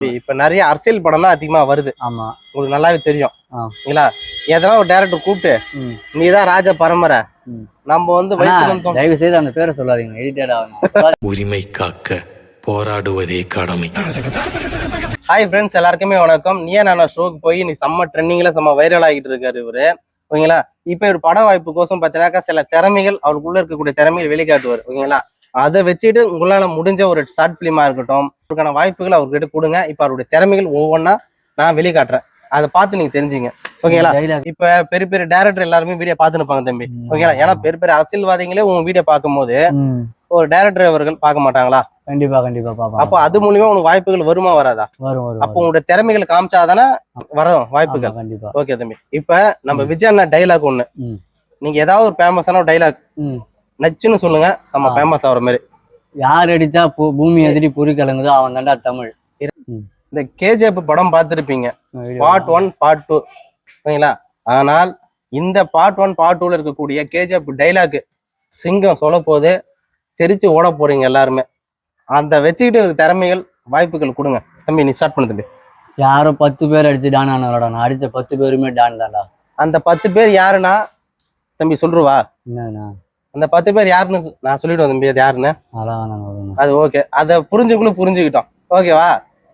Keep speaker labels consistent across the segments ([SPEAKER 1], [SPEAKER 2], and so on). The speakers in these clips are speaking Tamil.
[SPEAKER 1] இப்ப நிறைய அரசியல் படம் தான் அதிகமா வருது.
[SPEAKER 2] ஆமா,
[SPEAKER 1] உங்களுக்கு நல்லாவே தெரியும்.
[SPEAKER 2] ஆ.
[SPEAKER 1] இல்லைங்களா? எதனா ஒரு டைரக்டர் கூப்பிட்டு நீதான் ராஜ பரம்பரை, நம்ம வந்து
[SPEAKER 2] தயவு செய்து அந்த பேரை சொல்லாதீங்க, எடிட்டட் ஆகும்.
[SPEAKER 3] உரிமை காக்க போராடுவதே கடமை.
[SPEAKER 1] ஹாய் ஃப்ரெண்ட்ஸ், எல்லாருக்குமே வணக்கம். நீயா நானா ஷோக்கு போய் இன்னைக்கு செம்ம ட்ரெண்டிங்ல செம்ம வைரல் ஆகிட்டு இருக்காரு இவரு. ஓகேங்களா? இப்ப ஒரு பட வாய்ப்பு கோசம் பார்த்தீங்கன்னாக்கா சில திறமைகள், அவருக்குள்ள இருக்கக்கூடிய திறமைகள் வெளிக்காட்டுவார். ஓகேங்களா? அதை வச்சுட்டு உங்களால முடிஞ்ச ஒரு ஷார்ட் பிலிமா இருக்கட்டும், அவருக்கான வாய்ப்புகள் அவர்கிட்ட கொடுங்க. இப்ப அவருடைய திறமைகள் ஒவ்வொன்றா நான் வெளிக்காட்டுறேன், அதை பார்த்து நீங்க தெரிஞ்சுங்க. ஓகேங்களா? இப்ப பெரிய பெரிய டைரக்டர் எல்லாருமே வீடியோ பார்த்துன்னு இருப்பாங்க தம்பி. ஓகேங்களா? ஏன்னா பெரிய பெரிய அரசியல்வாதிகளே உங்க வீடியோ பார்க்கும் போது ஒரு டைரக்டர் அவர்கள் பார்க்க மாட்டாங்களா?
[SPEAKER 2] கண்டிப்பா கண்டிப்பா பாப்பா.
[SPEAKER 1] அப்போ அது மூலியமா உனக்கு வாய்ப்புகள் வருமா வராதா?
[SPEAKER 2] வரும்.
[SPEAKER 1] அப்போ உங்களுடைய திறமைகளை காமிச்சாதானே வரும் வாய்ப்புகள்.
[SPEAKER 2] கண்டிப்பா.
[SPEAKER 1] ஓகே தம்பி, இப்ப நம்ம விஜய் அண்ணா டைலாக் ஒண்ணு, நீங்க ஏதாவது ஒரு ஃபேமஸான டைலாக் நச்சுன்னு சொல்லுங்க, செம்ம ஃபேமஸ் ஆகிற மாதிரி.
[SPEAKER 2] யார் அடிச்சா பூமி எதிரி பொறி கலங்குதோ அவன் தாண்டா தமிழ்.
[SPEAKER 1] இந்த கேஜிஎஃப் படம் பார்த்துருப்பீங்க, பார்ட் 1 பார்ட் 2. ஓகேங்களா? ஆனால் இந்த பார்ட் 1 பார்ட் 2ல இருக்கக்கூடிய கேஜிஎஃப் டைலாக் சிங்கம் சொல்ல போது தெரிச்சு ஓட போறீங்க எல்லாருமே. அந்த வச்சுக்கிட்டு ஒரு திறமைகள் வாய்ப்புகள் கொடுங்க தம்பி. நீ ஸ்டார்ட் பண்ணு தம்பி.
[SPEAKER 2] யாரோ 10 பேர் அடிச்சு டான் ஆனவரோட, நான் அடிச்ச 10 பேருமே டான் தான்டா.
[SPEAKER 1] அந்த 10 பேர் யாருன்னா தம்பி சொல்லுவா?
[SPEAKER 2] என்னண்ணா
[SPEAKER 1] அந்த 10 பேர் யாருன்னு நான் சொல்லிடுவேன் தம்பி. அது யாருன்னு அது ஓகே, அதை புரிஞ்சுக்கிட்டோம். ஓகேவா?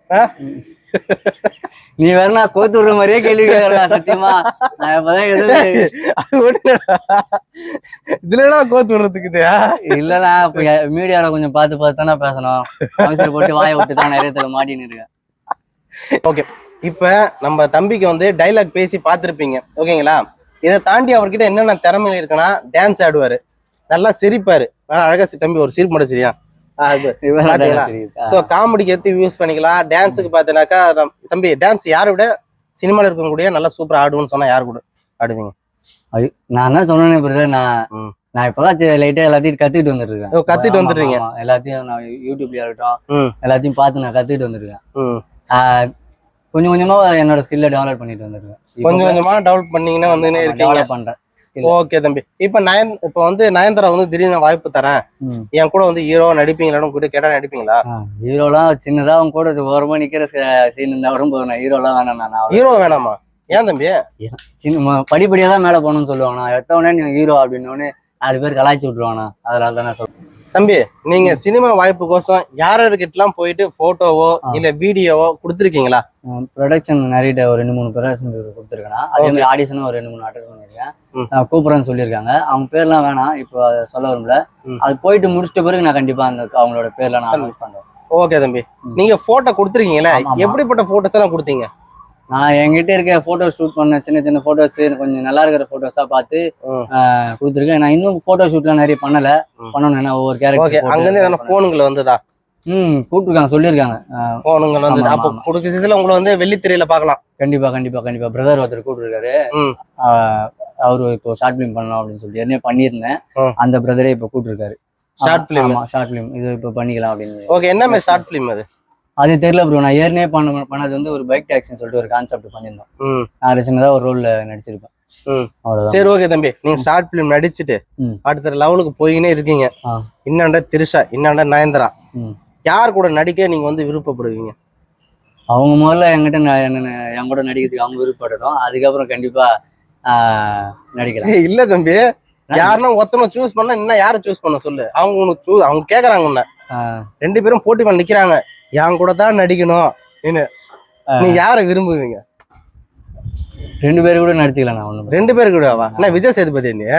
[SPEAKER 2] நீ வேணா கோத்து விடுற மாதிரியே கேள்வி கேட்கறேன். சத்தியமா நான் இப்பதான்
[SPEAKER 1] இதுல கோத்து விடுறதுக்கு
[SPEAKER 2] இல்லண்ணா. இப்ப மீடியால கொஞ்சம் பார்த்து தானே பேசணும். அவசர போட்டு வாயை விட்டு தான் நிறைய தடவை மாட்டின்னு இருக்கேன்.
[SPEAKER 1] ஓகே, இப்ப நம்ம தம்பிக்கு வந்து டைலாக் பேசி பார்த்துருப்பீங்க. ஓகேங்களா? இதை தாண்டி அவர்கிட்ட என்னென்ன திறமையில இருக்குன்னா, டான்ஸ் ஆடுவாரு, நல்லா சிரிப்பாரு. அழகா தம்பி ஒரு சிரிப்பு மட்டும் சரியா? காமெடிக்கு எடுத்து யூஸ் பண்ணிக்கலாம். டான்ஸுக்கு பாத்தீங்கன்னாக்கா தம்பி, டான்ஸ் யாரை விட சினிமால இருக்கக்கூடிய நல்லா சூப்பரா ஆடுவோம்னு சொன்னா யாரு கூட ஆடுவீங்க?
[SPEAKER 2] நான் தான் சொன்னேன், நான் இப்பதான் லைட்டா எல்லாத்தையும் கத்துக்கிட்டு வந்துருக்கேன்.
[SPEAKER 1] கத்துட்டு வந்துருக்கீங்க
[SPEAKER 2] எல்லாத்தையும். நான் யூடியூப்ல இருக்கட்டும் எல்லாத்தையும் பார்த்து நான் கத்துக்கிட்டு வந்துருக்கேன். கொஞ்சம் கொஞ்சமா என்னோட ஸ்கில்ல டெவலப் பண்ணிட்டு வந்துருக்கேன்.
[SPEAKER 1] கொஞ்சம் கொஞ்சமா டெவலப் பண்ணீங்கன்னா வந்து டெவலப் பண்றேன். ஓகே தம்பி, இப்ப வந்து நயன்தாரா வந்து திடீர்னு வாய்ப்பு தரேன், என் கூட வந்து ஹீரோ நடிப்பீங்களான்னு கூட கேட்டா நடிப்பீங்களா?
[SPEAKER 2] ஹீரோலாம் சின்னதா அவங்க கூட ஓரமா நிக்கிற சீன் இருந்தா வரும் போது நான் ஹீரோலாம் வேணாம்.
[SPEAKER 1] ஹீரோ வேணாமா? ஏன் தம்பி?
[SPEAKER 2] சின்ன படிப்படியா தான் மேல போகணும்னு சொல்லுவாங்க. நான் எத்தவொடனே நீங்க ஹீரோ அப்படின்னு 4 பேர் கலாய்ச்சி விட்டுருவானா, அதனால தான் நான் சொல்றேன்.
[SPEAKER 1] தம்பி, நீங்க சினிமா வாய்ப்பு கோசம் யார்கிட்டலாம் போயிட்டு போட்டோவோ இல்ல வீடியோவோ கொடுத்துருக்கீங்களா?
[SPEAKER 2] ப்ரொடக்ஷன் நிறைய ஒரு 2-3 ப்ரொடக்ஷன் கொடுத்துருக்கேன். அதே மாதிரி ஆடிஷனும் ஒரு 2-3 அட்டெண்ட் பண்ணிருக்கேன். கூப்பிடுறேன்னு சொல்லியிருக்காங்க. அவங்க பேர்லாம் வேணாம், இப்போ அதை சொல்ல வரும்ல. அது போயிட்டு முடிச்சிட்ட பிறகு நான் கண்டிப்பா அவங்களோட பேர்ல நான் அனௌன்ஸ் பண்றேன்.
[SPEAKER 1] ஓகே தம்பி, நீங்க போட்டோ கொடுத்துருக்கீங்களா? எப்படிப்பட்ட போட்டோஸ் எல்லாம் கொடுத்தீங்க?
[SPEAKER 2] நான் என்கிட்ட இருக்க போட்டோ ஷூட் பண்ண சின்ன போட்டோஸ், கொஞ்சம் நல்லா இருக்கிற போட்டோஸா பார்த்து கொடுத்துருக்கேன். நான் இன்னும் போட்டோ ஷூட்லாம் நிறைய பண்ணணும். ஒவ்வொரு கேரக்டர்
[SPEAKER 1] அங்கிருந்து போனுங்களை வந்ததா?
[SPEAKER 2] கூப்பிட்டுருக்காங்க, சொல்லியிருக்காங்க.
[SPEAKER 1] போனுங்கள் வந்து அப்போ கொடுக்கறதுல உங்களை வந்து வெள்ளித்திரையில பார்க்கலாம்.
[SPEAKER 2] கண்டிப்பா பிரதர் ஒருத்தர் கூப்பிட்டுருக்காரு. அவரு இப்போ ஷார்ட் பிலிம் பண்ணலாம் அப்படின்னு சொல்லி ஏற்கனவே பண்ணியிருந்தேன். அந்த பிரதரே இப்போ கூப்பிட்டுருக்காரு. ஷார்ட் பிலிம் இது இப்போ பண்ணிக்கலாம் அப்படின்னு.
[SPEAKER 1] ஓகே, என்ன மாதிரி ஷார்ட் பிலிம்
[SPEAKER 2] அது தெரியல ப்ரோ. நான் ஏற்கனவே பண்ணது வந்து ஒரு பைக் டாக்ஸின்னு சொல்லிட்டு ஒரு கான்செப்ட் பண்ணியிருந்தோம். நான் சின்னதா ஒரு ரோல்ல நடிச்சிருப்பேன். அவ்வளவுதான்.
[SPEAKER 1] சரி, ஓகே தம்பி, நீங்க ஷார்ட் பிலிம் நடிச்சுட்டு அடுத்த லெவலுக்கு போயினே இருக்கீங்க. இன்னாண்ட திரிஷா, இன்னாண்ட நயன்தாரா, யார் கூட நடிக்க நீங்க வந்து விருப்பப்படுவீங்க?
[SPEAKER 2] அவங்க முதல்ல என் கூட நடிக்கிறதுக்கு அவங்க விருப்பப்படணும். அதுக்கப்புறம் கண்டிப்பா நடிக்கலாம்.
[SPEAKER 1] இல்ல தம்பி, யாருன்னா ஒருத்தனை சூஸ் பண்ணா இன்னும் யாரை சூஸ் பண்ண சொல்லு. அவங்க உனக்கு அவங்க கேக்குறாங்க உன்ன, 2 பேரும் போட்டி பண்ண நிக்கிறாங்க, என் கூட தான் நடிக்கணும். நீ யாரை விரும்புவீங்க?
[SPEAKER 2] 2 பேரு கூட நடிச்சுக்கலாம். நான் ஒண்ணு
[SPEAKER 1] 2 பேரு கூடவா? என்ன விஜய் சேதுபதி? நீ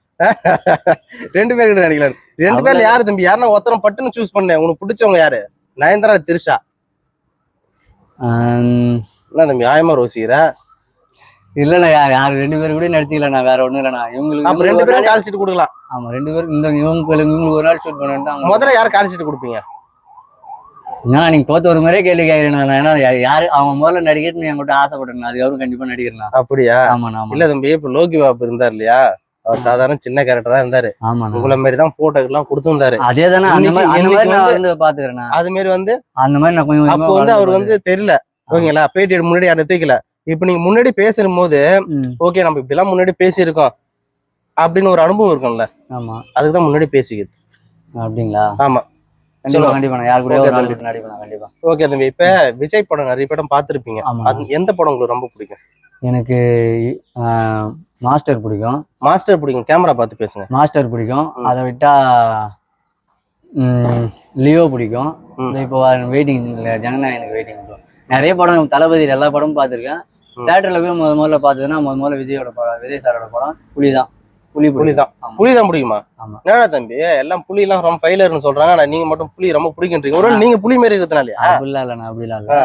[SPEAKER 1] 2 பேரு கூட நடிக்கலாம். 2 பேர்ல யாரு தம்பி? யாருன்னா ஒருத்தனை பட்டுன்னு சூஸ் பண்ண. உனக்கு பிடிச்சவங்க யாரு? நயன்தாரா, திரிஷா? என்ன தம்பி ஆயமா ரோசிக்கிற?
[SPEAKER 2] இல்லண்ணா, யாரு 2 பேரு கூட நடிச்சுக்கலாம். நான் வேற ஒண்ணும் இல்லண்ணா. இவங்களுக்கு
[SPEAKER 1] 2 பேரும் கால் ஷீட் கொடுக்கலாம்.
[SPEAKER 2] ஆமா, 2 பேரும் இவங்களுக்கு ஒரு நாள் ஷூட் பண்ணிட்டு
[SPEAKER 1] முதல்ல யாரு கால் ஷீட் கொடுப்பீங்க?
[SPEAKER 2] நீங்க தோத்த ஒரு மாதிரியே கேள்வி கேட்கிறேன். ஏன்னா யாரு அவன் முதல்ல நடிக்கிறேன்னு என்கிட்ட ஆசைப்பட்டேன். அதுக்கப்புறம் கண்டிப்பா நடிக்கிறேன்.
[SPEAKER 1] அப்படியா? ஆமா. இல்ல தம்பி, இப்ப லோகி பாபு இருந்தார் இல்லையா, அவர் சாதாரண சின்ன கேரக்டர் தான் இருந்தாரு. உங்களை மாதிரி தான் போட்டோக்கு எல்லாம் கொடுத்துருந்தாரு.
[SPEAKER 2] அதே தானே அந்த மாதிரி நான் வந்து பாத்துக்கிறேன்.
[SPEAKER 1] அது மாதிரி வந்து
[SPEAKER 2] அந்த மாதிரி நான் கொஞ்சம்
[SPEAKER 1] அப்போ வந்து அவருக்கு வந்து தெரியல. ஓகேங்களா? பேட்டி முன்னாடி யாரை தூக்கல. இப்ப நீங்க முன்னாடி பேசும் போது ஓகே நம்ம இப்படி எல்லாம் முன்னாடி பேசியிருக்கோம் அப்படின்னு ஒரு அனுபவம் இருக்கும்ல.
[SPEAKER 2] ஆமா,
[SPEAKER 1] அதுக்குதான் முன்னாடி பேசிக்கிது.
[SPEAKER 2] அப்படிங்களா?
[SPEAKER 1] ஆமா
[SPEAKER 2] கண்டிப்பா கண்டிப்பா நான் யாரு கூட ஒரு நாள் விட்டு நடிப்பேன் கண்டிப்பா.
[SPEAKER 1] ஓகே தம்பி, இப்ப விஜய் படம் நிறைய படம் பார்த்திருப்பீங்க.
[SPEAKER 2] ஆமா.
[SPEAKER 1] அது எந்த படம் உங்களுக்கு ரொம்ப பிடிக்கும்?
[SPEAKER 2] எனக்கு மாஸ்டர் பிடிக்கும்.
[SPEAKER 1] மாஸ்டர் பிடிக்கும். கேமரா பார்த்து பேசுங்க.
[SPEAKER 2] மாஸ்டர் பிடிக்கும். அதை விட்டா லியோ பிடிக்கும். இப்போ வெயிட்டிங் ஜனநாயகனுக்கு வெயிட்டிங். நிறைய படம் தளபதி எல்லா படமும் பார்த்துருக்கேன். தேட்டர்ல போய் முதல்ல பார்த்ததுன்னா முதல்ல விஜயோட படம், விஜய் சாரோட படம் புலிதான். புலிதான் பிடிக்குமா? ஆமா. என்னடா தம்பி எல்லாம் புலி எல்லாம் ரொம்ப ஃபைலர்னு சொல்றாங்க, ஆனா நீங்க மட்டும் புலி ரொம்ப பிடிக்கின்றீங்க. ஒருவேளை நீங்க புலி மாரி இருக்கிறதுனாலயா? அப்படிலாம் இல்ல, நான் அப்படிலாம் இல்ல.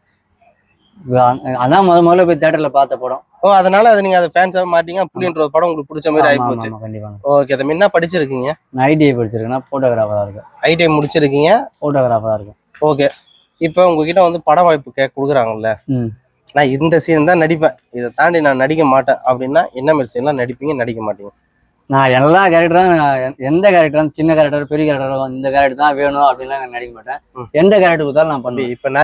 [SPEAKER 2] அதான் முதல்ல போய் தேட்டர்ல பார்த்த படம்.
[SPEAKER 1] ஓ, அதனால அது நீங்க அதை ஃபேன்ஸாக மாட்டீங்க. புலின்ற படம் உங்களுக்கு பிடிச்ச மாதிரி ஆயிப்போச்சு.
[SPEAKER 2] கண்டிப்பா.
[SPEAKER 1] ஓகே தம்பி, என்ன படிச்சிருக்கீங்க?
[SPEAKER 2] நான் ஐடிஐ படிச்சிருக்கேன்னா போட்டோகிராஃபரா இருக்கேன்.
[SPEAKER 1] ஐடிஐ முடிச்சிருக்கீங்க,
[SPEAKER 2] போட்டோகிராஃபரா இருக்கேன்.
[SPEAKER 1] ஓகே. இப்போ உங்ககிட்ட வந்து படம் வாய்ப்பு கொடுக்குறாங்கல்ல, நான் இந்த சீன் தான் நடிப்பேன், இதை தாண்டி நான் நடிக்க மாட்டேன் அப்படின்னா என்ன மாதிரி சீன்லாம் நடிப்பீங்க, நடிக்க மாட்டீங்க?
[SPEAKER 2] நான் எல்லா கேரக்டரும், எந்த கேரக்டரும், சின்ன கேரக்டர் பெரிய கேரக்டர், இந்த கேரக்டர் தான் வேணும் அப்படின்லாம் நான் நடிக்க மாட்டேன். எந்த கேரக்டர் கொடுத்தாலும் நான் பண்ணுவேன்.
[SPEAKER 1] இப்போ